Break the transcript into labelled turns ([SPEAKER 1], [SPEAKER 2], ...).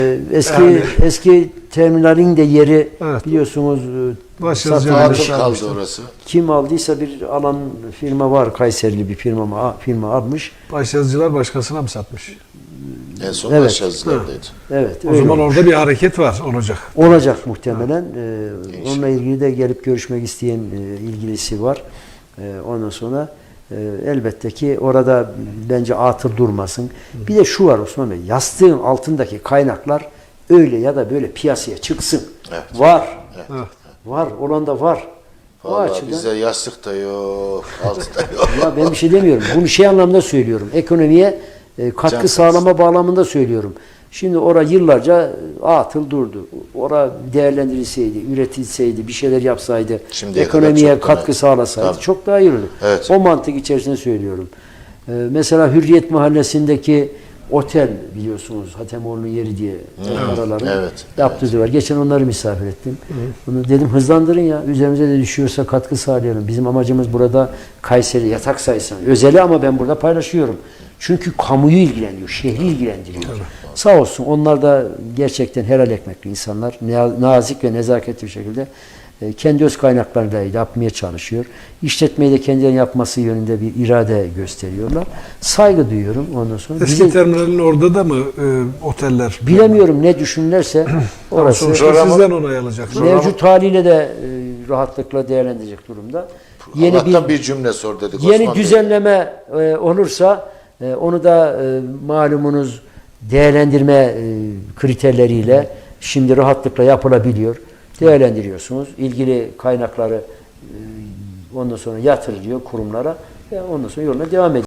[SPEAKER 1] Eski terminalin de yeri
[SPEAKER 2] Evet.
[SPEAKER 1] biliyorsunuz
[SPEAKER 2] Başyazıcılar
[SPEAKER 3] kaldı orası.
[SPEAKER 1] kim aldıysa bir alan firma var, Kayserili bir firma almış.
[SPEAKER 2] Başyazıcılar başkasına mı satmış?
[SPEAKER 3] En son
[SPEAKER 1] Evet.
[SPEAKER 3] Başyazıcılardaydı.
[SPEAKER 1] Evet.
[SPEAKER 2] O
[SPEAKER 1] öyle
[SPEAKER 2] zaman
[SPEAKER 1] olmuş.
[SPEAKER 2] orada bir hareket var, olacak.
[SPEAKER 1] Olacak muhtemelen. Onunla ilgili de gelip görüşmek isteyen ilgilisi var. Ondan sonra elbette ki orada bence atıl durmasın. Bir de şu var Osman Bey, yastığın altındaki kaynaklar öyle ya da böyle piyasaya çıksın.
[SPEAKER 3] Evet.
[SPEAKER 1] Var.
[SPEAKER 2] Evet.
[SPEAKER 1] Var. Olan da var. O
[SPEAKER 3] Vallahi
[SPEAKER 1] açıdan.
[SPEAKER 3] bizde yastık da yok, altı da yok.
[SPEAKER 1] Ya ben bir şey demiyorum. Bunu şey anlamda söylüyorum. Ekonomiye katkı
[SPEAKER 3] Can
[SPEAKER 1] sağlama bağlamında söylüyorum. Şimdi orada yıllarca atıl durdu. Orada değerlendirilseydi, üretilseydi, bir şeyler yapsaydı,
[SPEAKER 3] Şimdiye kadar
[SPEAKER 1] ekonomiye
[SPEAKER 3] çok daha
[SPEAKER 1] katkı
[SPEAKER 3] net.
[SPEAKER 1] sağlasaydı
[SPEAKER 3] Tabii.
[SPEAKER 1] çok daha iyi olurdu.
[SPEAKER 3] Evet.
[SPEAKER 1] O mantık içerisinde söylüyorum. Mesela Hürriyet Mahallesi'ndeki otel biliyorsunuz Hatemoğlu'nun yeri diye araların
[SPEAKER 3] Evet.
[SPEAKER 1] yaptığı var. Geçen onları misafir ettim. Bunu dedim hızlandırın ya. Üzerimize de düşüyorsa katkı sağlayalım. Bizim amacımız burada Kayseri yatak sayısını. Özeli ama ben burada paylaşıyorum. Çünkü kamuyu ilgilendiriyor, şehri ilgilendiriyor. Sağ olsun onlar da gerçekten helal ekmekli insanlar. Nazik ve nezaketli bir şekilde kendi öz kaynaklarıyla yapmaya çalışıyor. İşletmeyi de kendilerinin yapması yönünde bir irade gösteriyorlar. Saygı duyuyorum ondan sonra.
[SPEAKER 2] Eski terminalin orada da mı oteller?
[SPEAKER 1] Bilemiyorum ne düşünürlerse orası
[SPEAKER 2] Sonuçta sizden onay alacak.
[SPEAKER 1] mevcut haliyle de rahatlıkla değerlendirecek durumda.
[SPEAKER 3] Allah'tan bir cümle sor dedik
[SPEAKER 1] Yeni
[SPEAKER 3] Osman Bey.
[SPEAKER 1] düzenleme olursa onu da malumunuz değerlendirme kriterleriyle şimdi rahatlıkla yapılabiliyor. Değerlendiriyorsunuz. İlgili kaynakları ondan sonra yatırılıyor kurumlara ve ondan sonra yoluna devam ediyor.